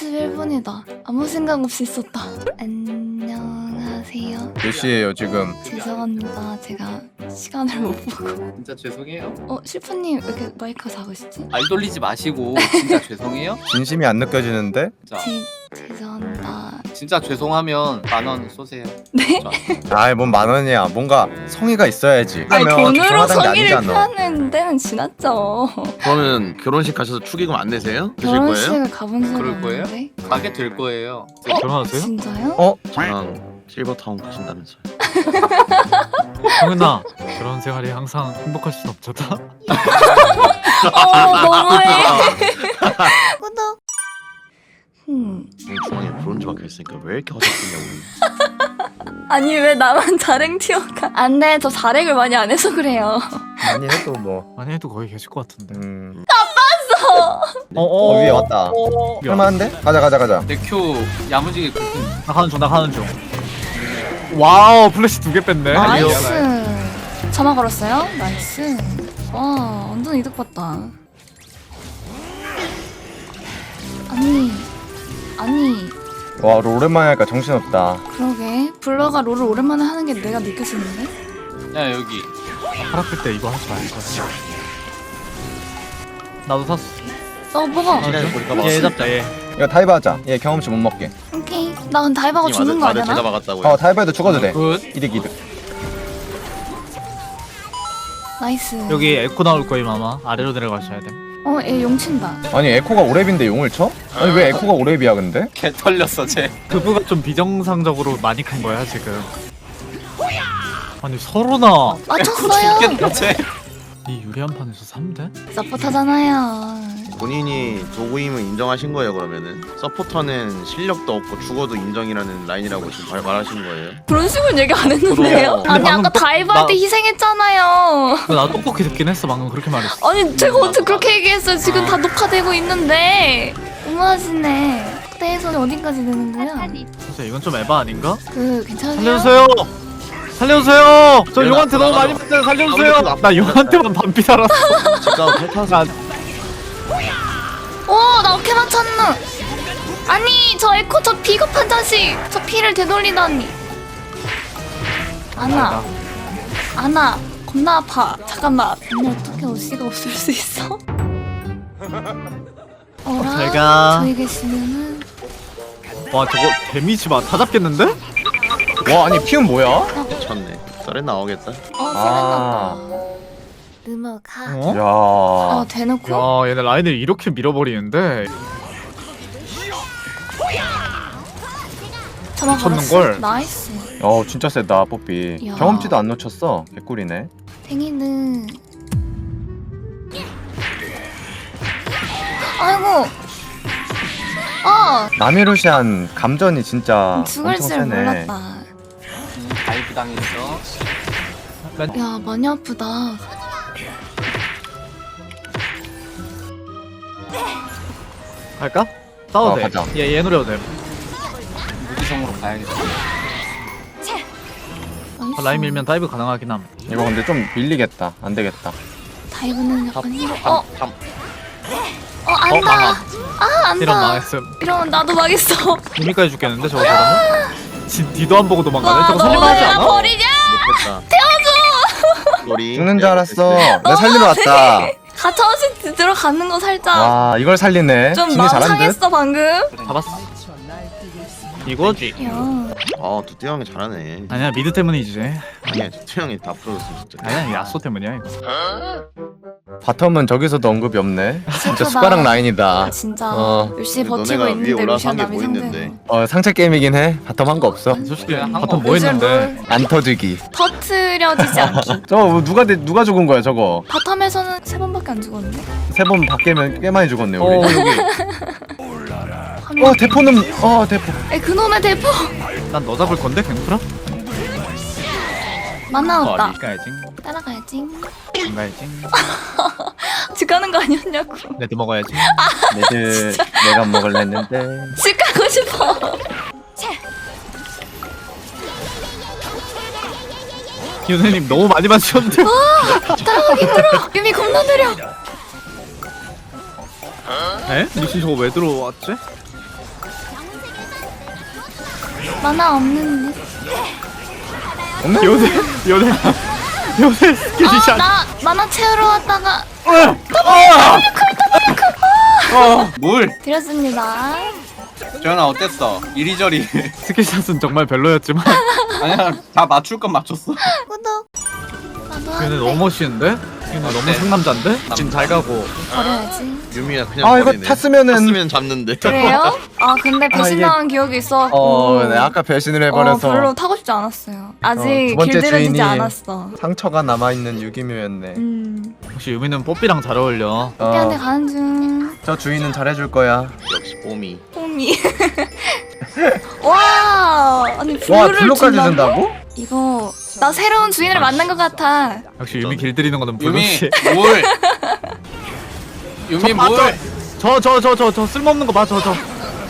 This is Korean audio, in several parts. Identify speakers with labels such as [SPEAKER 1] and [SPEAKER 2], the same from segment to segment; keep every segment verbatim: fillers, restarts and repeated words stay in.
[SPEAKER 1] 사십일 분이다. 아무 생각 없이 썼다. 안녕하세요.
[SPEAKER 2] 몇 시에요 지금?
[SPEAKER 1] 죄송합니다. 제가 시간을 못 보고.
[SPEAKER 3] 진짜 죄송해요.
[SPEAKER 1] 어, 실프님 왜 이렇게 마이크가 작으시지?
[SPEAKER 3] 말 돌리지 마시고 진짜 죄송해요.
[SPEAKER 2] 진심이 안 느껴지는데?
[SPEAKER 3] 자,
[SPEAKER 1] 제, 죄송합니다.
[SPEAKER 3] 진짜 죄송하면 만 원 쏘세요.
[SPEAKER 1] 네?
[SPEAKER 2] 아이 뭔 만원이야. 뭔가 성의가 있어야지.
[SPEAKER 1] 아니,
[SPEAKER 2] 그러면
[SPEAKER 1] 돈으로
[SPEAKER 2] 죄송하다는 게
[SPEAKER 1] 성의를
[SPEAKER 2] 아니잖아.
[SPEAKER 1] 표하는 때는 지났죠.
[SPEAKER 4] 그러면 결혼식 가셔서 축의금 안 내세요? 드실 거예요?
[SPEAKER 1] 결혼식을 가본 적이
[SPEAKER 3] 그럴 거예요?
[SPEAKER 1] 없는데.
[SPEAKER 3] 가게 될 거예요.
[SPEAKER 1] 어?
[SPEAKER 5] 결혼하세요?
[SPEAKER 1] 진짜요?
[SPEAKER 2] 어?
[SPEAKER 4] 저랑 실버타운 가신다면서요.
[SPEAKER 5] 성은아, 결혼 생활이 항상 행복할 순 없잖아.
[SPEAKER 1] 어, 너무해. 구독. 음.
[SPEAKER 4] 주머니에 브론즈 박혀있으니까 왜 이렇게 허접했냐고.
[SPEAKER 1] 아니 왜 나만 자랭 튀어가? 안돼, 저 자랭을 많이 안 해서 그래요.
[SPEAKER 2] 많이 해도 뭐.
[SPEAKER 5] 많이 해도 거의 계실 것 같은데.
[SPEAKER 2] 음.
[SPEAKER 5] 어,
[SPEAKER 2] 어 위에 왔다.
[SPEAKER 5] 어,
[SPEAKER 2] 할만한데? 가자 가자 가자.
[SPEAKER 3] 내 큐 야무지게 긁힌.
[SPEAKER 5] 나 가는 중, 나 가는 중. 와우, 플래시 두 개 뺐네.
[SPEAKER 1] 나이스. 점화 걸었어요? 나이스. 와, 완전 이득 봤다. 아니, 아니,
[SPEAKER 2] 와 롤 오랜만에 하니까 정신없다.
[SPEAKER 1] 그러게. 블러가 롤을 오랜만에 하는 게 내가 느껴지는데?
[SPEAKER 3] 야 여기.
[SPEAKER 5] 팔아플 때 이거 하지 말걸. 나도 샀어.
[SPEAKER 1] 어, 뭐가?
[SPEAKER 4] 시간을 보니까
[SPEAKER 5] 얘 잡자, 얘.
[SPEAKER 2] 이거 다이브 하자. 얘 경험치 못 먹게.
[SPEAKER 1] 오케이. 나 근데 다이버가 죽는 거
[SPEAKER 4] 맞아,
[SPEAKER 1] 아니야?
[SPEAKER 4] 제가
[SPEAKER 1] 나?
[SPEAKER 4] 막았다고요.
[SPEAKER 2] 어 다이브해도 죽어도 돼.
[SPEAKER 3] 굿.
[SPEAKER 2] 이득 이득.
[SPEAKER 1] 나이스.
[SPEAKER 5] 여기 에코 나올 거임 아마. 아래로 내려가셔야 돼.
[SPEAKER 1] 어, 얘 용친다.
[SPEAKER 2] 아니 에코가 오랩인데 용을 쳐? 아니 왜 에코가 오랩이야 근데?
[SPEAKER 3] 개 털렸어 쟤.
[SPEAKER 5] 그부가 좀 비정상적으로 많이 큰 거야 지금. 아니 서로나
[SPEAKER 1] 맞췄어요.
[SPEAKER 3] 죽겠다 쟤.
[SPEAKER 5] 이 유리한 판에서 삼 대?
[SPEAKER 1] 서포터잖아요.
[SPEAKER 4] 본인이 도구임을 인정하신 거예요 그러면은? 서포터는 실력도 없고 죽어도 인정이라는 라인이라고 지금 말- 말하신 거예요?
[SPEAKER 1] 그런 식으로 얘기 안 했는데요?
[SPEAKER 4] 그럼.
[SPEAKER 1] 아니
[SPEAKER 5] 근데
[SPEAKER 1] 아까
[SPEAKER 5] 방금
[SPEAKER 1] 다이브 할 때
[SPEAKER 5] 나-
[SPEAKER 1] 희생했잖아요.
[SPEAKER 5] 나 똑똑히 듣긴 했어 방금 그렇게 말했어.
[SPEAKER 1] 아니 제가 어떻게 그렇게 얘기했어요? 지금 다 녹화되고 있는데. 너무하시네. 그때에서 어디까지 되는 거야?
[SPEAKER 5] 진짜 이건 좀 에바 아닌가?
[SPEAKER 1] 그 괜찮으세요?
[SPEAKER 5] 살려주세요! 살려주세요! 저
[SPEAKER 4] 왜
[SPEAKER 5] 용한테
[SPEAKER 4] 나-
[SPEAKER 5] 너무
[SPEAKER 4] 나-
[SPEAKER 5] 많이
[SPEAKER 4] 나-
[SPEAKER 5] 맞아요.
[SPEAKER 4] 나-
[SPEAKER 5] 살려주세요!
[SPEAKER 4] 나-
[SPEAKER 5] 나 용한테만 반피 살았어.
[SPEAKER 4] 집가고 탈타서
[SPEAKER 1] 오, 나 어깨 맞췄노. 아니 저 에코 저 비겁한 자식. 저 피를 되돌리다니. 아나, 아나, 겁나 아파. 잠깐만. 언니 어떻게 옷이가 없을 수 있어? 어라?
[SPEAKER 5] 제가-
[SPEAKER 1] 저희 계시면은
[SPEAKER 5] 와 저거 데미지 봐. 다 잡겠는데?
[SPEAKER 2] 와 아니 피움 뭐야?
[SPEAKER 4] 쳤네. 썰에 나오겠다.
[SPEAKER 1] 어,
[SPEAKER 2] 아.
[SPEAKER 1] 생각났다. 음악하.
[SPEAKER 5] 어?
[SPEAKER 2] 야.
[SPEAKER 1] 어, 대놓고?
[SPEAKER 5] 야 얘네 라인을 이렇게 밀어버리는데
[SPEAKER 1] 저만
[SPEAKER 5] 쳤는
[SPEAKER 1] 걸었어?
[SPEAKER 5] 걸.
[SPEAKER 1] 나이스.
[SPEAKER 2] 어 진짜 세다 뽀삐.
[SPEAKER 1] 야.
[SPEAKER 2] 경험치도 안 놓쳤어. 개꿀이네.
[SPEAKER 1] 탱이는 아이고. 어,
[SPEAKER 2] 나미루시안 감전이 진짜
[SPEAKER 1] 죽을
[SPEAKER 2] 엄청
[SPEAKER 1] 줄
[SPEAKER 2] 세네.
[SPEAKER 1] 몰랐다.
[SPEAKER 3] 음, 다이브 당했어.
[SPEAKER 1] 야, 많이 아프다.
[SPEAKER 5] 할까? 싸워도
[SPEAKER 2] 어,
[SPEAKER 5] 돼.
[SPEAKER 2] 가자.
[SPEAKER 5] 얘, 얘 노려도 돼.
[SPEAKER 3] 무기성으로 가야겠다.
[SPEAKER 1] 나이스.
[SPEAKER 5] 라인 밀면 다이브 가능하긴 함.
[SPEAKER 2] 이거 근데 좀 밀리겠다. 안 되겠다.
[SPEAKER 1] 다이브는 약간 힘.
[SPEAKER 4] 밤,
[SPEAKER 1] 어,
[SPEAKER 4] 밤.
[SPEAKER 1] 어, 안다. 아,
[SPEAKER 5] 이런
[SPEAKER 1] 안다.
[SPEAKER 5] 망했음.
[SPEAKER 1] 이러면 나도 망했어.
[SPEAKER 5] 이미까지 죽겠는데 저거 저러면? 지, 뒤도 안 보고 도망가네?
[SPEAKER 1] 와,
[SPEAKER 5] 저거
[SPEAKER 1] 너무
[SPEAKER 5] 살릴만 하지
[SPEAKER 1] 나
[SPEAKER 5] 않아?
[SPEAKER 1] 버리냐?
[SPEAKER 4] 못했다. 태워줘! 우리
[SPEAKER 2] 죽는 줄 알았어. 내가 살리러 왔다.
[SPEAKER 1] 가차없이 들어가는 거 살짝
[SPEAKER 2] 와 이걸 살리네.
[SPEAKER 1] 좀
[SPEAKER 2] 진이
[SPEAKER 1] 마음
[SPEAKER 2] 잘한 듯.
[SPEAKER 1] 상했어 방금.
[SPEAKER 5] 잡았어. 이거지.
[SPEAKER 1] 야,
[SPEAKER 4] 아 두띠 형이 잘하네.
[SPEAKER 5] 아니야 미드 때문이지.
[SPEAKER 4] 아니야 두띠 형이 다 풀어줬어 진짜.
[SPEAKER 5] 아니야 야쏘 때문이야 이거.
[SPEAKER 2] 바텀은 저기서도 언급이 없네. 진짜
[SPEAKER 1] 슬프다.
[SPEAKER 2] 숟가락 라인이다.
[SPEAKER 1] 진짜
[SPEAKER 2] 어.
[SPEAKER 1] 열심히
[SPEAKER 4] 근데
[SPEAKER 1] 버티고
[SPEAKER 4] 너네가 위에
[SPEAKER 1] 있는데
[SPEAKER 4] 올라서
[SPEAKER 1] 루시안
[SPEAKER 4] 한게
[SPEAKER 1] 남이
[SPEAKER 4] 뭐
[SPEAKER 1] 상대로.
[SPEAKER 4] 있는데?
[SPEAKER 2] 어 상체 게임이긴 해. 바텀 한 거 없어.
[SPEAKER 5] 솔직히
[SPEAKER 3] 그래, 한
[SPEAKER 5] 바텀
[SPEAKER 3] 거
[SPEAKER 5] 뭐
[SPEAKER 1] 요즘
[SPEAKER 5] 했는데?
[SPEAKER 1] 롤
[SPEAKER 2] 안 터지기.
[SPEAKER 1] 터트려지지 않기.
[SPEAKER 2] 저거 누가 대- 누가 죽은 거야 저거?
[SPEAKER 1] 바텀에서는 세 번밖에 안 죽었는데.
[SPEAKER 2] 세 번 밖에면 꽤 많이 죽었네
[SPEAKER 5] 어
[SPEAKER 2] 우리.
[SPEAKER 5] 여기.
[SPEAKER 2] 어 대포는 어 대포.
[SPEAKER 1] 에 그놈의 대포.
[SPEAKER 5] 난 너 잡을 건데 갱프라?
[SPEAKER 1] 만나
[SPEAKER 5] 어
[SPEAKER 1] 없다.
[SPEAKER 5] 가야지.
[SPEAKER 1] 따라가야지.
[SPEAKER 5] 안 가야지.
[SPEAKER 1] 집 가는 거 아니었냐고.
[SPEAKER 5] 레드 먹어야지.
[SPEAKER 2] 내들 내가 먹을래 했는데.
[SPEAKER 1] 집 가고 싶어.
[SPEAKER 5] 유네님 너무 많이 맞추셨는데.
[SPEAKER 1] 따라가기 힘들어. 유미 겁나 느려.
[SPEAKER 5] 에? 미친 저거 왜 들어왔지?
[SPEAKER 1] 만화 없는데.
[SPEAKER 2] 없네?
[SPEAKER 5] 요새 요새 요새 스킬샷.
[SPEAKER 1] 아, 나 만화 채우러 왔다가
[SPEAKER 3] 어, 물.
[SPEAKER 1] 드렸습니다.
[SPEAKER 3] 재현아 어땠어? 이리저리.
[SPEAKER 5] 스킬샷은 정말 별로였지만
[SPEAKER 3] 아니야, 다 맞출 건 맞췄어.
[SPEAKER 1] 구독. 나도
[SPEAKER 5] 얘네
[SPEAKER 1] 한대
[SPEAKER 5] 너무 멋있는데? 얘네 너무
[SPEAKER 3] 어때?
[SPEAKER 5] 상남자인데?
[SPEAKER 2] 지금 잘 가고.
[SPEAKER 1] 버려야지.
[SPEAKER 4] 유미야 그냥
[SPEAKER 2] 아 이거
[SPEAKER 4] 버리네.
[SPEAKER 2] 탔으면은
[SPEAKER 4] 탔으면 잡는데.
[SPEAKER 1] 그래요? 아 근데
[SPEAKER 2] 아,
[SPEAKER 1] 배신당한 기억이 있어갖고.
[SPEAKER 2] 어, 네, 아까 배신을
[SPEAKER 1] 어,
[SPEAKER 2] 해버려서
[SPEAKER 1] 별로 타고 싶지 않았어요. 아직
[SPEAKER 2] 어, 두 번째
[SPEAKER 1] 길들여지지
[SPEAKER 2] 주인이
[SPEAKER 1] 않았어.
[SPEAKER 2] 상처가 남아있는 유기묘였네.
[SPEAKER 1] 음.
[SPEAKER 5] 혹시 유미는 뽀삐랑 잘 어울려.
[SPEAKER 1] 뽀삐한테
[SPEAKER 2] 어,
[SPEAKER 1] 가는 중.
[SPEAKER 2] 저 주인은 잘해줄 거야.
[SPEAKER 4] 역시 뽀미.
[SPEAKER 1] 홈이. 와, 아니
[SPEAKER 2] 와
[SPEAKER 1] 블루를
[SPEAKER 2] 블루까지
[SPEAKER 1] 준다고?
[SPEAKER 2] 준다고?
[SPEAKER 1] 이거 나 새로운 주인을 만난 것 같아.
[SPEAKER 5] 역시 유미 길들이는 거는
[SPEAKER 3] 유미,
[SPEAKER 5] 블루씨.
[SPEAKER 3] 물. 유미 물.
[SPEAKER 5] 저저 저 저 저 쓸모없는 거 봐, 저 저.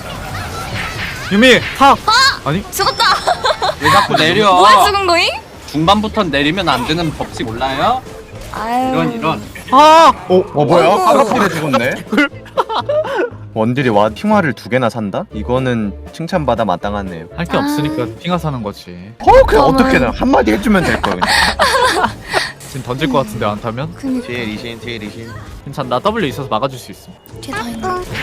[SPEAKER 5] 유미 타. 아니
[SPEAKER 1] 죽었다.
[SPEAKER 3] 왜 자꾸 내려?
[SPEAKER 1] 뭐에 죽은 거임?
[SPEAKER 3] 중반부터 내리면 안 되는 법칙 몰라요?
[SPEAKER 1] 아유.
[SPEAKER 3] 이런 이런.
[SPEAKER 5] 아. 어.
[SPEAKER 2] 어 뭐야?
[SPEAKER 1] 어머.
[SPEAKER 2] 파라필에 죽었네. 원딜이 와 핑화를 두 개나 산다? 이거는 칭찬받아 마땅하네요.
[SPEAKER 5] 할 게
[SPEAKER 1] 아.
[SPEAKER 5] 없으니까 핑하 사는 거지.
[SPEAKER 2] 어 그냥
[SPEAKER 1] 저는-
[SPEAKER 2] 어떻게 든 한마디 해주면 될 거야. 그냥.
[SPEAKER 5] 지금 던질 것 같은데 안 타면?
[SPEAKER 1] 그니까
[SPEAKER 4] 뒤에 리신 뒤에 리신.
[SPEAKER 5] 괜찮. 나 W 있어서 막아줄 수 있어.
[SPEAKER 1] 뒤에 더 있네.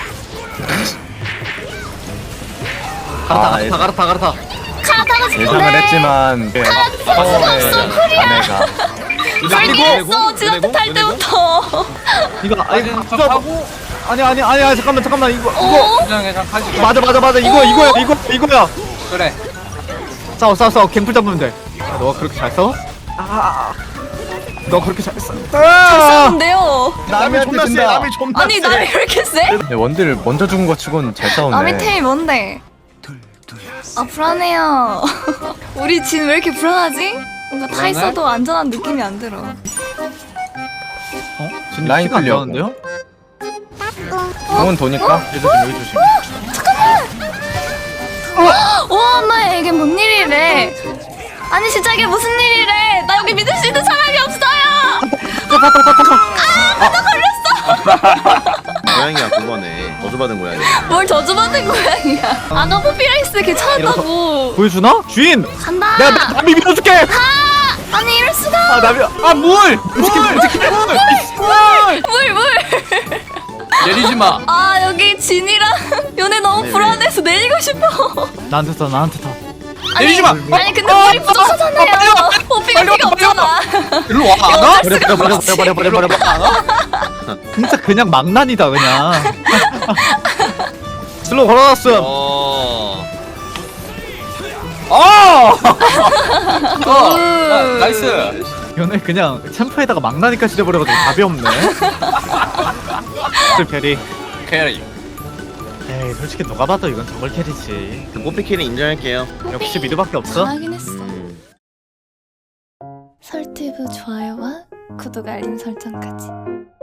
[SPEAKER 5] 가르타
[SPEAKER 2] 아, 예.
[SPEAKER 5] 가르타 가르타 가르타.
[SPEAKER 1] 카타가 죽네.
[SPEAKER 2] 예상을 했지만 그 파워의 자네가
[SPEAKER 1] 설계했어. 지난주 탈 때부터.
[SPEAKER 5] 이거 아 이거
[SPEAKER 3] 좀
[SPEAKER 5] 진짜
[SPEAKER 3] 하고
[SPEAKER 5] 아니 아니 아니 아니 잠깐만 잠깐만 이거 이거
[SPEAKER 1] 어?
[SPEAKER 3] 그냥 그냥 가지.
[SPEAKER 5] 맞아 맞아 맞아 이거 이거야 이거 이거야.
[SPEAKER 3] 그래.
[SPEAKER 5] 싸워 싸워 싸워 갱플 잡으면 돼. 아, 너가 그렇게 잘 싸워? 아, 너 그렇게 잘 싸워?
[SPEAKER 1] 잘 싸우는데요.
[SPEAKER 2] 남이 존나 세. 남이
[SPEAKER 4] 존나
[SPEAKER 1] 아니 나를 왜 이렇게 세?
[SPEAKER 2] 원딜 먼저 죽은 거 치곤 잘 싸우네.
[SPEAKER 1] 아미 템이 뭔데? 아 불안해요. 우리 진 왜 이렇게 불안하지? 뭔가 타
[SPEAKER 3] 불안해?
[SPEAKER 1] 있어도 안전한 느낌이 안 들어.
[SPEAKER 5] 어? 지금
[SPEAKER 2] 라인
[SPEAKER 5] 키가 안
[SPEAKER 2] 클리어.
[SPEAKER 5] 나오는데요?
[SPEAKER 2] 공은 도니까.
[SPEAKER 5] 여기 조심 여기 조심.
[SPEAKER 1] 와, 나 이게 뭔 일이래? 아니 진짜 이게 무슨 일이래? 나 여기 믿을 수 있는 사람이 없어요.
[SPEAKER 4] 고양이야 그거네. 저주받은 고양이.
[SPEAKER 1] 뭘 저주받은 고양이야? 아까 포피라이스 괜찮다고.
[SPEAKER 5] 보여주나? 주인!
[SPEAKER 1] 간다.
[SPEAKER 5] 내가 나- 나비 밀어줄게!
[SPEAKER 1] 아, 아니 이럴 수가.
[SPEAKER 5] 아 나비 아 물! 물!
[SPEAKER 1] 물 물.
[SPEAKER 3] 내리지 마.
[SPEAKER 1] 아 여기 진이랑 연애 너무
[SPEAKER 4] 네,
[SPEAKER 1] 불안해서 내리고 싶어.
[SPEAKER 5] 나한테 타 나한테 타.
[SPEAKER 1] 아니,
[SPEAKER 3] 내리지 마.
[SPEAKER 1] 아니 근데 물이 부족하잖아요. 포피가 피가 없잖아.
[SPEAKER 3] 일로 와. 안 와?
[SPEAKER 5] 버려 버려 버려 버려 버려 버려 버려. 진짜 그냥 망난이다 그냥. 슬로우 걸어놨음.
[SPEAKER 4] 어.
[SPEAKER 3] 어. 어. 나, 나이스.
[SPEAKER 5] 연애 그냥 챔프에다가 망나니까 찢어버려가지고 답이 없네. 베리.
[SPEAKER 3] 캐리.
[SPEAKER 5] 에이 솔직히 누가 봐도 이건 저걸 캐리지.
[SPEAKER 4] 그 뽀삐 캐리 인정할게요.
[SPEAKER 5] 역시 미드밖에 없어?
[SPEAKER 1] 잘하긴 했어.
[SPEAKER 4] 음.
[SPEAKER 1] 설티브 좋아요와 구독 알림 설정까지.